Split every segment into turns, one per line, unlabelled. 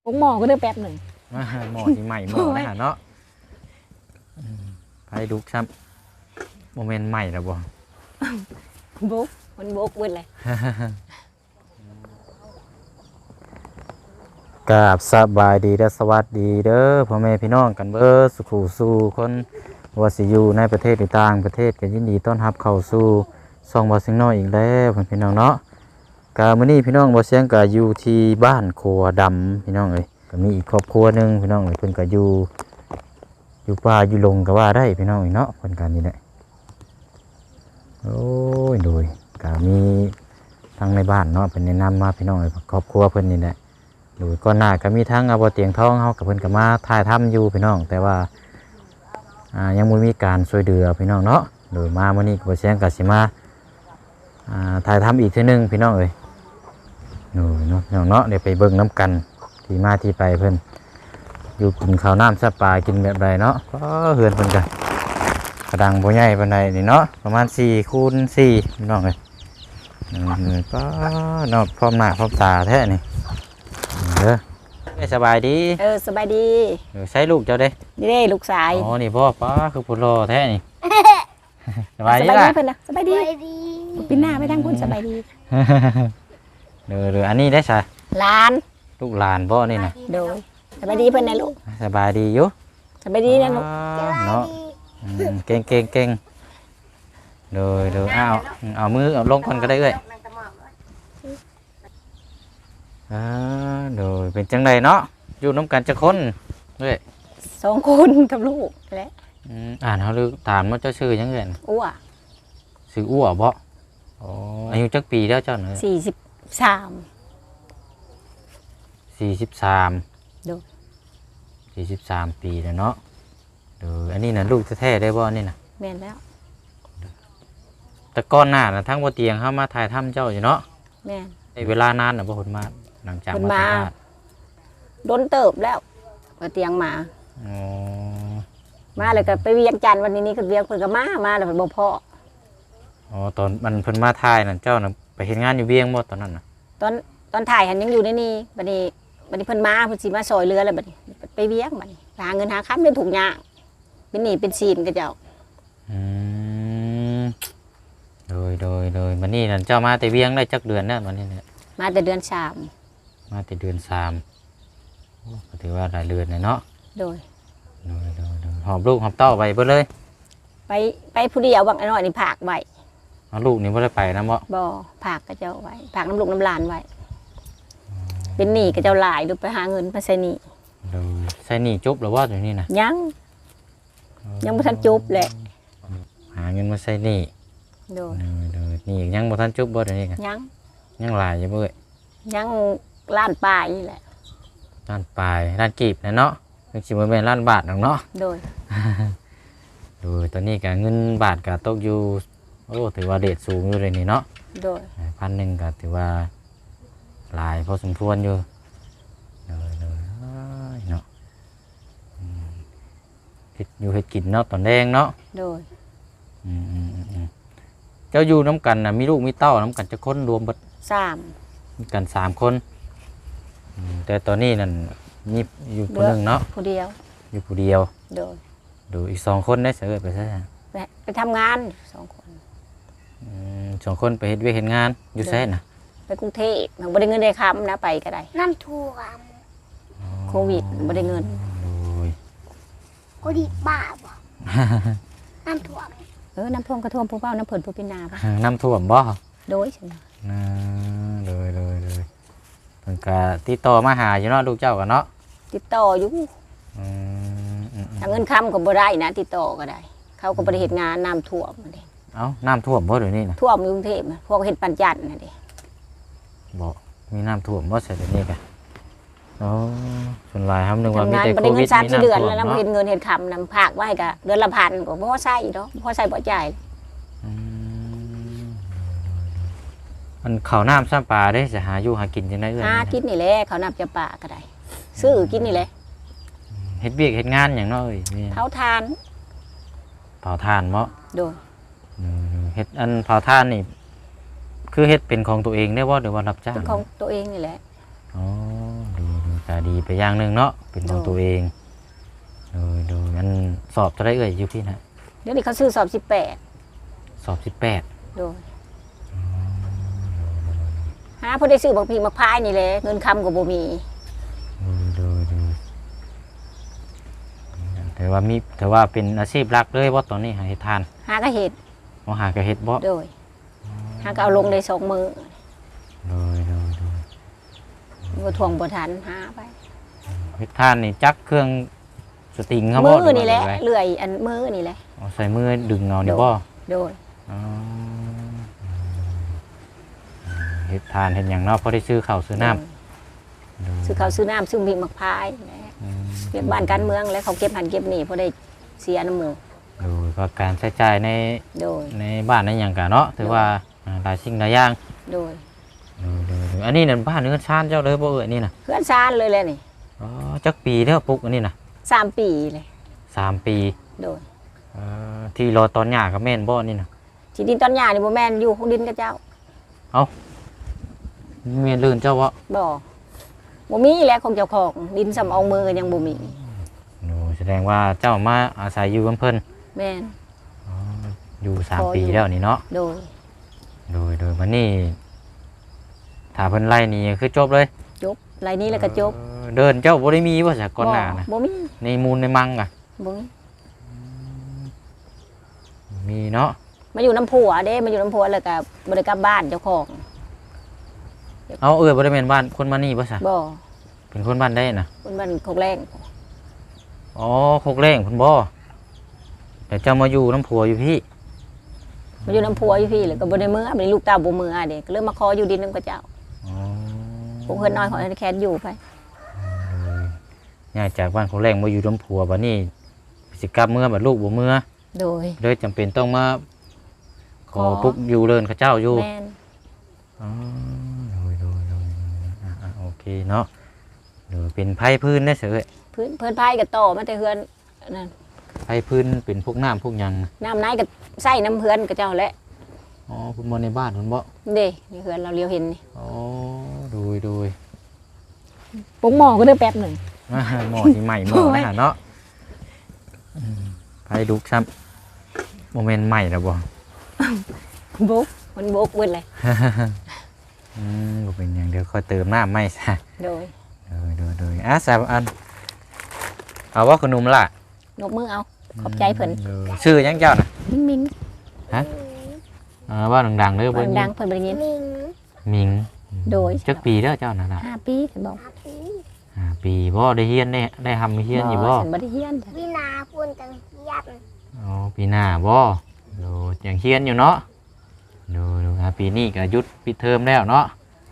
ผมหมอก็ได้แป๊บหนึ่ง
หม้อที่ใหม่หม้อนะฮะเนาะไปดูซ้ำโมเมนต์ใหม่แล้วบ่
บุกมันบุกเว้นเลย
กราบสบายดีและสวัสดีเด้อพ่อแม่พี่น้องกันเบิดสุขสู่คนว่าสิอยู่ในประเทศหรือต่างประเทศก็ยินดีต้อนรับเข้าสู่ช่องบ่เสียงน้อยอีกแล้วพี่น้องเนาะกามื้อนี้พี่น้องบ่เสียงก็อยู่ที่บ้านครัวดำพี่น้องเอ้ยก็มีอีกครอบครัวนึงพี่น้องเอ้ยเพิ่นก็อยู่ป่าอยู่ลงก็ว่าได้พี่น้องเนาะเพิ่นก็นี่แหละโอ้ยโดยก็มีทั้งในบ้านเนาะเพิ่นแนะนำมาพี่น้องเอ้ยครอบครัวเพิ่นนี่แหละโดยก่อนหน้าก็มีทั้งอาบ่เตียงทองเฮากับเพิ่นก็มาถ่ายทำอยู่พี่น้องแต่ว่ายังบ่มีการช่วยเหลือพี่น้องเนาะโดยมามื้อนี้ก็บ่เสียงก็สิมาถ่ายทำอีกเทื่อนึงพี่น้องเอ้ยโดยเนาะพี่น้องเนาะเดี๋ยวไปเบิ่งน้ำกันที่มาที่ไปเพิ่นอยู่กินข้าวน้ำซับปลากินแบบใดเนาะก็เฮือนเพิ่นก็กระดังบ่ใหญ่ปานใดนี่เนาะประมาณ4 คูณ 4พี่น้องเอ้ยก็เนาะพร้อมหน้าพร้อมตาแท้นี่เด้อสบายดี
สบายดี
ใช้ลูกเจ้าเด้
นี่เด้ลูกชาย
อ๋อนี่พ่อป้าคือผู้รอแท้นี่สบายดี
ล่ะเพิ่นน่ะสบายดีปีหน้าไปทางพุ่นสบายดี
เด้ออันนี้ได้ซะ
หลาน
ลูกหลานบ่นี่น่ะ
โดยสบายดีเพิ่นน่ะลูก
สบายดีอยู่
สบายดีนะลูก
เนาะเก่งเด้อเอามือเอาลงก่อนก็ได้เอ้ยโดยเป็นจังไดเนาะอยู่น้ำกันจะคนด้วย
2 คนกับลูกแหละ
เขาลือถามว่าเจ้าชื่อยังไง
อ้ว
ชื่ออ้วบ่อายุจักปีแล้วเจ้าเน
ย43
ดู43ปีแล้วเนาะดูอันนี้น่ะลูกแท้ๆได้บ่นี่น่ะ
แม่นแล้ว
แต่ก่อนหน้าน่ะทั้งบ่เตียงเฮามาถ่ายทำเจ้าอยู่เนาะ
แม่น
ได้เวลานานน่ะบ่เพิ่นมาหลังจาก
มาโดนเติบแล้วบ่เตียงมาเลยก็ไปเวียงจันทร์วันนี้ก็เวียงเพิ่นก็มาแล้วเพิ่นบ่พอ
ตอนมันเพิ่นมาถ่ายนั่นเจ้าน่ะไปเฮ็ดงานอยู่เวียงบ่ตอนนั้นน่ะ
ตอนถ่ายหันยังอยู่ในนี่บัดนี้เพิ่นมาเพิ่นสิมาซอยเรือแล้วบัดนี้ไปเวียงบัดนี้หาเงินหาค้ำเป็นถุงยางเป็นหนี้เป็นซีนกับเจ้า
โดยบัดนี้นั่นเจ้ามาแต่เวียงได้จักเดือนแล้วบัดนี้เนี่ย
มาแต่เดือน3
มาแต่เดือน3ก็ถือว่าหลายเดือนเนาะ
โดย
หอบลูกหอบเต้าไปเบิดเลย
ไปผู้เดียวบางน้อยนี่ผากไว้
ลูกนี่บ่ได้ไปนำ
บ่ผากกับเจ้าไว้ผากน้ำลูกน้ำหลานไว้เป็นหนี้กับเจ้าหลายดูไปหาเงินมาใส่หนี้
ใส่หนี้จบหรือว่าอยู่นี่นะ
ยังบ่ทันจบแหละ
หาเงินมาใส่หนี้นี่ยังบ่ทันจบบ่เดี๋ยวนี้ยังหลายอยู่เบ้ย
ยังล้านปลายนี่แหละ
ล้านปลายล้านกีบนะเนาะถึงสิบ่แม่นล้านบาทหรอกเนาะ
โดย
ตอนนี้ก็เงินบาทก็ตกอยู่ถือว่าเรทสูงอยู่เลยนี่เนาะ
โดย
1,000ก็ถือว่าหลายพอสมควรอยู่เนาะเฮ็ดกินเนาะตอนแดงเนาะ
โดย
เจ้าอยู่น้ำกันน่ะมีลูกมีเต้าน้ำกันจะคนรวมเบิด
3
มีกัน3 คนแต่ตอนนี้นั่นมีอยู่คนหนึ่งเนาะ
ผู้เดียว
อยู่ผู้เดียวดูอีก2 คนได้เสือไปซะ
ไปทำงาน2 คน
2 คนไปเฮ็ดเวียกเฮ็ดงานอยู่ไสน่ะ
ไปกรุงเทพมันบ่ได้เงินได้ค้ำนะไปก็ได้
น้ำท่วม
โควิดบ่ได้เงิน
โควิดบ้าบ่น้ำท่วม
น้ำท่วมก็ท่วมผู้เป้าน้ำเพิ่นผู้พินาป่ะ
น้ำท่วมบ่
โดยใช่
เลยเพิ่นก็ติดต่อมาหาอยู่เนาะลูกเจ้าก็เนาะ
ติดต่ออยู่ถ้าเงินค้ำก็บ่ได้นะติดต่อก็ได้เขาก็บ่ได้เฮ็ดงานน้ำท่วมนั่นเด้
น้ำท่วมบ่เดี๋ยวนี้นะ
ท่วมกรุงเทพพวกเฮ็ดปัญจันนั่นเด้
บ่มีน้ำท่วมบ่ใช่เดี๋ยวนี้ก็ส่วนหลายครับนึกว่ามีแต่โควิด
มีน้ำท่วม3-4 เดือนแล้วเฮ็ดเงินเฮ็ดคำนำภาคไว้ก็เดือนละ1,000ก็บ่พอใช้ดอกพอใช้บ่จ่าย
มันข้าวน้ำซ้ำปลาได้จะหาอยู่หากินจังได๋
หากินนี่แหละข้าวน้ำจะปลาก็ได้ซื้อกินนี่แหละ
เฮ็ดเวียกเฮ็ดงานหยังเนาะเอ้ย
เผาถ่าน
เนาะ
โดย
เฮ็ดเผาถ่านนี่คือเฮ็ดเป็นของตัวเองได้บ่หรือว่ารับจ้าง
เป็นของตัวเองนี่แหละ
ดูก็ดีไปอย่างหนึงเนาะเป็นของตัวเองโดยงั้นสอบเท่าไรเอ่ยอยู่พี่นะ
เดี๋ยวนี้เขาซื้อสอบ
สอบ
18โดยหาพอได้ซื้อบักพีมักพายนี่แหละเงินคำก็บ่มี
โดยแต่ว่าเป็นอาชีพหลักเลยบ่ตอนนี้หาเฮ็ดทาน
หาก็เฮ็ด
บ่หาก็เฮ็ดบ่
โดยหาก็เอาลงได้2มื้อ
โดย
บ่ทวงบ่ทันหาไป
เฮ็ดทานนี่จักเครื่องสติงเขาบ่
มือ
หรืว่า
นี่แหละ
ไง
เลื่อยอันมือนี่แหละ
เอาใส่มือดึงเอานี่บ่
โดย
อ๋อเฮ็ดทานเฮ็ดหยังเนาะพอได้ซื้อข้าวซื้อน้ำ
ซื้อข้าวซื้อน้ำซื้อมีมักพายแหละเรียกบ้านการเมืองแล้วเขาเก็บหันเก็บนี่พอได้เสียน้ำหมู
ดูก็การใช้จ่ายใน
โดย
ในบ้านในหยังกะเนาะถือว่าหลายสิ่งหลายอย่าง
โดย
ดูอันนี้นั่นบ้านเนื้อชานเจ้าเลยบ่เอ่ยนี่น่ะ
เพื่อนซานเลยแหละนี่
อ๋อจักปีแล้วปลูกอันนี้น่ะ
3 ปีเลย
3 ปี
โดย
ที่รอตอนหญ้าก็แม่นบ่นี่น่ะ
ที่ดินตอนหญ้านี่บ่แม่นอยู่ของดินกับเจ้า
แม่นลื่นเจ้าบ่
บ่มีแหละของเจ้าของดินสำเอามือก็ยังบ่มี
โอ้แสดงว่าเจ้ามาอาศัยอยู่กับเพิ่น
แม่น
อ๋ออยู่
พอ
3 ปี
อยู่
แล้วนี่เนาะ
โดย
โดยวันนี้ถ้าเพิ่นไล่นี่คือจบเลย
จบไรนี้แล้วก็จบ
เดินเจ้าบ่ได้มีว่าจากก่อนหน้านะ
บ่มี
ในมูลในมังอ่ะ
บ่มี
มีเนาะ
มาอยู่น้ำผัวเด้มาอยู่น้ำผัวแล้วก็บ่ได้กลับบ้านเจ้าของ
เอาบ่ได้เป็นบ้านคนมานี่บ่ซะ
บ่
เป็นคนบ้านได้น่ะ
คนบ้านโคกแรง
อ๋อโคกแรงเพิ่นบ่แต่เจ้ามาอยู่น้ำผัวอยู่พี่
มาอยู่น้ำผัวอยู่พี่แล้วก็บ่ได้มื้อบ่ได้ลูกเต้าบ่มื้อเด้ก็เลยมาขออยู่ดินนำกับเจ้า
อ๋อ
พวกเพิ่นน้อยขอให้แคนอยู่ไป
ย้ายจากบ้านโคกแรงมาอยู่น้ำผัวบัดนี้สิกลับเมื่อบัดลูกบ่เมื่อ
โดย
เลยจำเป็นต้องมาขอปุ๊กอยู่เลินเขาเจ้าอยู่
แม่น
อ๋อโดยโอเคเนาะเดี๋ยวเป็นไผ่พื้นได้เสือ
เพิ่นพายก็ต่อมาแต่เฮือนนั่น
ไผ่พื้นเป็นพวกน้ำพวกหยัง
น้ำไหนก็ใส่น้ำเฮือนกับเจ้าแหละ
อ๋อคุณบ่ในบ้านคุณบ่
เด้นี่เฮือนเราเลียวเห็นนี่
อ๋อโดย
ปุ้งหม้อก็ได้แป๊บหนึง
หม้อที่ใหม่หม้อนะเนาะไผ่ดุกซ้ำโมเมนต์ใหม่แล้วบ่
บุกมันบุกเบิดเลย
บ่เป็นหยังเดี๋ยวค่อยเติมน้ำใหม่ซะ
โดย
โดยสามอันเอาว่าขนมล่ะ
นกมือเอาขอบใจเพิ่น
ชื่อหยังเจ้าน่ะ
มิง
ว่าดังๆเด้อ
เพิ่นดังเพิ่นบ่ได้ยิน
มิง
มิง
โดย
จักปีเด้อเจ้าน่ะล่ะ
5 ปีเพิ่นบอก
อาปี
ปีบ่ได้เฮียนได้ทำเฮียนอยู่บ่
ฉันบ่ได้เฮียนจ้ะ
วินาพูนจังยัน
อ๋อปีหน้าบ่ดูยังเฮียนอยู่เนาะดูปีนี้ก็หยุดปิดเทอมแล้วเนาะ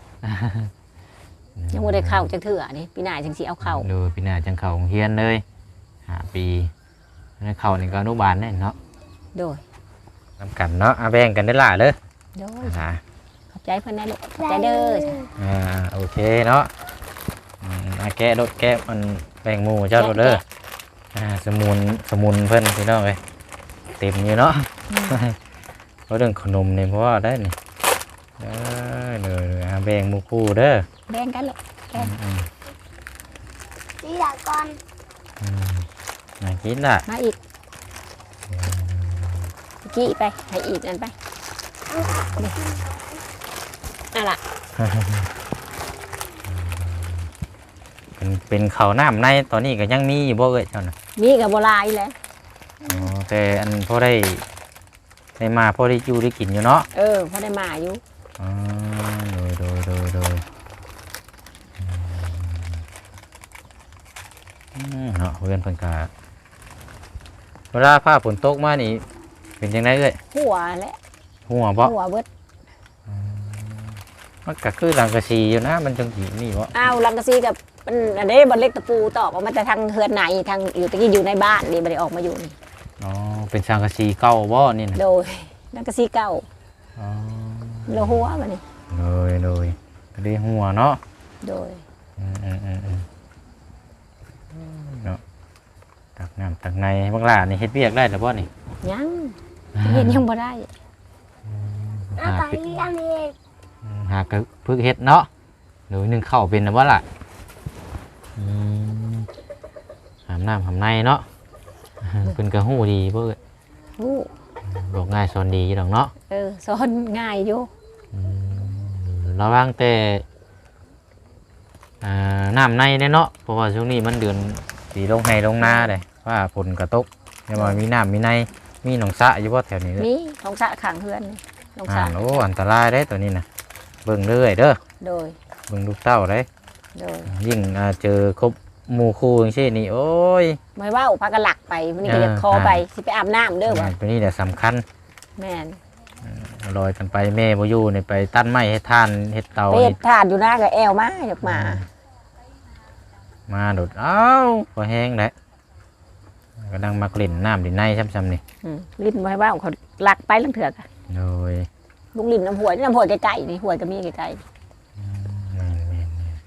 ยังบ่ได้เข้าจักเทื่อนี่ปีหน้าจังสิเอาเข้า
ดูปีหน้าจังเข้าโรงเฮียนเลย5 ปีแล้วเข้านี่ก็อนุบาลแน่เนาะ
โดย
นำกันเนาะแบ่งกันได้ล่ะเด้อ
โดย
อ่า
ขอบใจเพิ่นนะลูกขอบใจเด้อจ้ะ
โอเคเนาะแกะรถแกะมันแบ่งหมู่เจ้าเด้อสมุนเพิ่นพี่น้องเอ้ยเต็มอยู่เนาะเพราะเรื่องขนมนี่เพราะว่าได้นี่เด้อแบ่งหมู่คู่เด้อ
แบ่งกันลูก
วิลาก่อน
มากินล่ะ
มาอีกกี้ไปให้อีกนั่นไปนั่นล่ะ
เป็นข้าวน้ำในตอนนี้ก็ยังมีอยู่บ่เอ้ยเจ้าน่ะ
มีก็บ่หลายแหละ
แต่อันพอได้มาพอได้อยู่ได้กินอยู่เนาะ
พอได้มาอยู่
โดยเนาะเพื่อนเพิ่นก็เวลาฟ้าฝนตกมานี่เป็นจังไดเอ้ย
หัวแหละ
หัวบ่
หัวเบิด
มันก็คือหลังกะสีอยู่นะมันจังสินี่บ่
อ้าวลังกะซีกับมันอันนี้บ่เล็กตะปูตอกออกมาแต่ทางเฮือนไหนทางอยู่ตะกี้อยู่ในบ้านนี่บ่ได้ออกมาอยู่นี่
อ๋อเป็นสังกะสีเก่าบ่นี่น่ะ
โดยลังกะซีเก่า
อ๋อ
โลหัวมานี่
โดยก็ได้หัวเนาะ
โดย
เนาะตักน้ำตักในบักหล่านี่เฮ็ดเวียกได้หรือบ่นี่
ยังเห็นยังบ่ได้
อาตาเรียนเอง
หากก็พึกเฮ็ดเนาะหรือนึ่งข้าวเป็นนะบ่ล่ะอืมหามน้ำหามในเนาะเพิ่นก็ฮู้ดีเบิ่
ฮู้
บอกง่ายสอนดีอยู่ดอกเนาะ
สอนง่ายอยู่
ระวังแต่น้ำในเนี่ยเนาะเพราะว่าช่วงนี้มันเดือนสีลงไห้ลงนาเลยว่าฝนกระตกยังว่ามีน้ำมีในมีหนองสระอยู่บ่แถวนี้เด้อ
มีน้องสะข้างเฮือนนี่น้องสะ
โอ้อันตรายได้ตัวนี้นะเบิ่งเรื่อยเด้อ
โดย
เบิ่งลูกเต้าได้
โดย
ยิ่งเจอครบหมู่คู่อย่างเช่นนี่โอ้ย
ไม่ว่าพากันหลักไปวันนี้ก็จะคอไปสิไปอาบน้ำเด้อบ่
ตัวนี้แหละสำคัญ
แม่น
ลอยกันไปแม่บ่อยู่นี่ไปตัดไม้ให้ทานเฮ็ดเตา
เป็
นี่
ดทานอยู่หน้ากับแอวมาอยากมา
มาโดดเอ้าพอแห้งแล้วก็ดังมากลิ่นน้ำดินในซ้ำๆนี่
ลิ้นไม่ว่าเขาหลักไปลังเถือกอะ
โดย
ลุงลิ้นน้ำหัวยนี่น้ำหัวยไกลๆนี่หัวยก็มีไกล
แม่น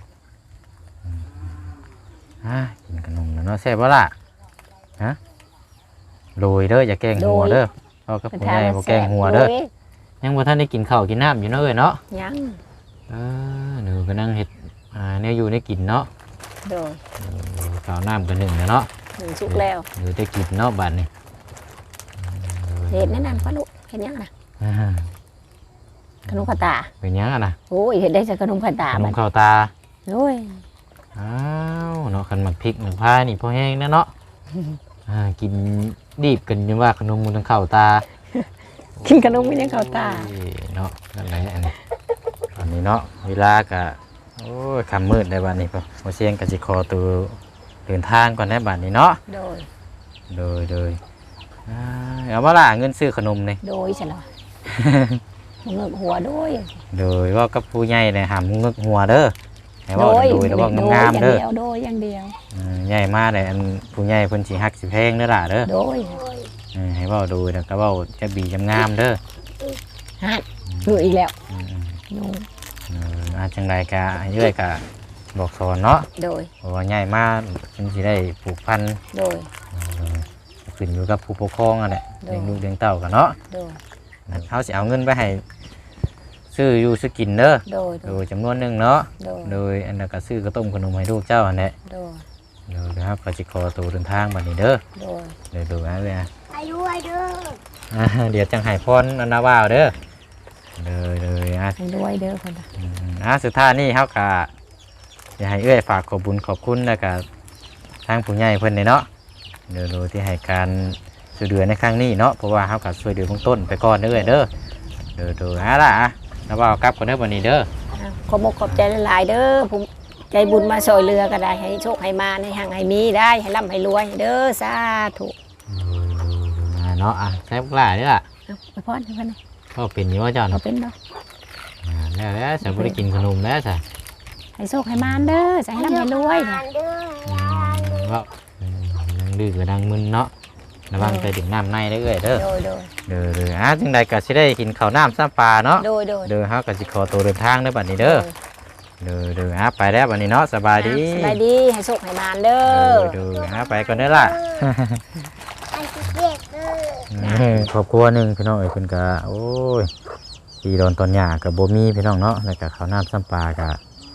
กินขนมแล้วเนาะแซ่บบ่ล่ะฮะโรยเด้ออย่าแกล้งหัวเด้อพ่อกับ
ๆเป็น
ผู้
ทา
ให
ง
ญ่บ่แกล้งหัวเด้อยังบ่ทันได้กินข้าวกินน้ำอยู่เนาะเอ้ยเนาะ
ยัง
หนูก็นั่งเฮ็ดเนี่ยอยู่ได้กินเนาะ
โดย
ข้าวน้ำกันหนึ่งแล้วเนาะ
หนึ่งสุกแล้ว
หนูได้กินเนาะบัดนี้
เห็ดแนั่นนป้าลูกเห็นยังนะ
อ่า
ขนมผัดตา
เป็นหยังอะนะ
โอ้ยเห็ดได้จากขนมผัดตา
ขน
บั
ม
ด
ข้าวตา
โอ้ย
อ้าวเนาะคันหมักพริกหมักพายนี่พอแห้งนะเนาะกินดีบกันยังว่าขนมมันต้องข้าวตา
กินขนมมันยังเข้าตา
โอ้ยเนาะนั่นแหละอันนี้ตอนนี้เนาะเวลากะโอ้ยค่ำมืดได้บัดนี้พอเสียงกะสิคอตัวเดินทางก่อนได้บัดนี้เนาะ
โดย
โดยเอามาล่ะเงินซื้อขนมนี่
โดยใช่หรอมึงเงือกหัวโดย
โดยว่ากับผู้ใหญ่เนี่ยหามงึกหัวเด้อให้เว่าโดยแล้วว่างามๆเด้อ
โดยอย่างเดียว
ใหญ่มากเลยอันผู้ใหญ่เพิ่นสิฮักสิแพงเด้อล่ะเด้อ
โดย
ให้เว้าโดยแล้วก็เว้าจะบีจำงามเด้อ
ฮะหนูอีกแล้ว
อืม
หนู
จังไดก็ให้เอ้อยก็บอกสอนเนาะ
โดย
เพราะว่าใหญ่มากมันสิได้ผูกพัน
โดย
ขึ้นอยู่กับผู้ปกครองอ่ะแหละ
โดย
เลี้ยงลูกเลี้ยงเต้ากันเนาะ
โดย
เขาสิเอาเงินไปให้ซื้ออยู่ซื้อกินเด้อ
โดย
โดยจำนวนหนึงเนาะ
โดย
โดยอันนั้นก็ซื้อกระต้มขนมให้ลูกเจ้าอันนี้
โดย
เดี๋ยวนะครับก็จะขอตัวเดินทางบัดนี้เด้อ
โดย
เดี๋ยวดูนะเลยนะ
อายุอายุ
เดี๋ยวจังไห้พรอันนาว่าวเด้อเลยอ่ะ
ให้ด้วยเด้อคนละ
สุดท้ายนี่เฮากะอยากให้เอื้อยฝากขอบบุญขอบคุณแล้วก็ทางผู้ใหญ่เพิ่นนี่เนาะเดี๋ยวดูที่ให้การช่วยเหลือในครั้งนี้เนาะเพราะว่าเฮาก็ช่วยเหลือเบื้องต้นไปก่อนเด้อเด้อเดี๋ยวล่ะนาว่าวกลับก่อนเด้อบัดนี้เด้อ
ขอบมกขอบใจหลายๆเด้อผมใจบุญมาซอยเรือก็ได้ให้โชคให้มาให้ห่างให้มีได้ให้ร่ำให้รวยเด้อสาธุ
เนาะใช้พวกหลายนี่ล่ะ
ไปพรให้เพิ่น
ก็เป็นอยู่ว่าเจ้า
เอา
เนาะ
เป็นบ่
แล้วฉันบ่ได้กินขนมแล้วจ้ะ
ให้โชคให้มานเด้อจะให้ร่ำให้รวย
งานเด้อ
ว่านั่งดื้อกับนั่งมึนเนาะระวังไปถึงน้ำในได้เอ้ยเด้อ
โดย
เด้อจังใดก็สิได้กินข้าวน้ำซ้ำปลาเนาะ
โดย
เฮาก็สิขอตัวเดินทางเด้อบัดนี้เด้อไปแล้วบัดนี้เนาะสบายดี
สบายดีให้โชคให้มานเด้อ
ไปก่อนเด้อล่ะ
อันที่เด็กเด้อ
ครอบครัวหนึงพี่น้องเอ้ยเพิ่นก็โอ้ยปีโดนตอนหญ้าก็บ่มีพี่น้องเนาะแล้วก็ข้าวน้ำซ้ำปลาก็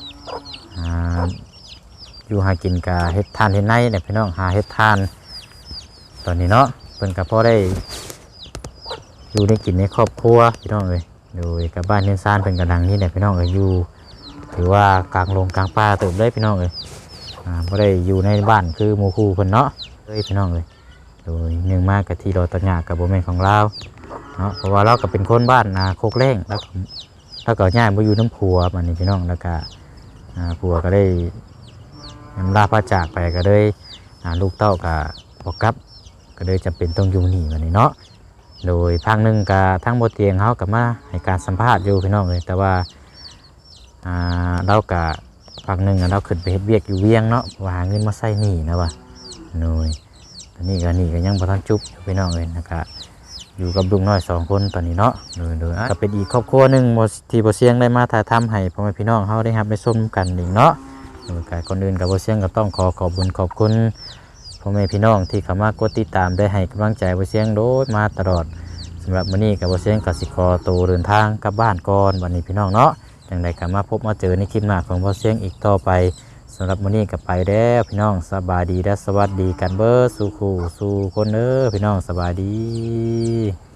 อยู่หากินก็เฮ็ดทานเฮ็ดไนเนี่ยพี่น้องหาเฮ็ดทานตอนนี้เนาะเพิ่นก็พอได้อยู่ได้กินในครอบครัวพี่น้องเอ้ยโดยกับบ้านเฮือนซ่านเพิ่นก็ดังนี่แหละพี่น้องเอ้ยอยู่ถือว่ากลางลงกลางป่าเติบเลยพี่น้องเอ้ยบ่ได้อยู่ในบ้านคือหมู่คู่เพิ่นเนาะพี่น้องเอ้ยโดยเนื่องมากกับที่เราตอนหญ้ากับบ่แม่นของเราเนาะเพราะว่าเราก็เป็นคนบ้านโคกแรงแล้วก็ย้ายมาอยู่น้ำผัวบัดนี้พี่น้องแล้วก็ผัวก็ได้ลาพระจากไปก็เลยลูกเต้าก็บ่กลับก็เลยจำเป็นต้องอยู่นี่บัดนี้เนาะโดยพังหนึงก็ทั้งบ่เตียงเฮาก็มาให้การสัมภาษณ์อยู่พี่น้องเอ้ยแต่ว่าเราก็พักหนึงเราขึ้นไปเฮ็ดเวียกอยู่เวียงเนาะว่าหาเงินมาใช้หนี้นะว่าหน่อยตอนนี้ก็ยังบ่ทันจุบพี่น้องเอ้ยนะครับอยู่กับลุงน้อย2คนตอนนี้เนาะโดยก็เป็นอีกครอบครัวหนึงที่บ่เสียงได้มาถ่ายทำให้พ่อแม่พี่น้องเฮาได้รับได้ชมกันอีกเนาะโดยการก่อนอื่นก็บ่เสียงก็ต้องขอบคุญขอบคุณพ่อแม่พี่น้องที่เข้ามากดติดตามได้ให้กำลังใจบ่เสียงโดยมาตลอดสำหรับมื้อนี้ก็บ่เสียงก็สิขอตัวเดินทางกลับบ้านก่อนวันนี้พี่น้องเนาะจังได๋ก็มาพบมาเจอในคลิปหน้าของบ่เสียงอีกต่อไปสำหรับมื้อนี้ก็ไปแล้วพี่น้องสบายดีและสวัสดีกันเบิดสู่คู่สู่คนเด้อพี่น้องสบายดี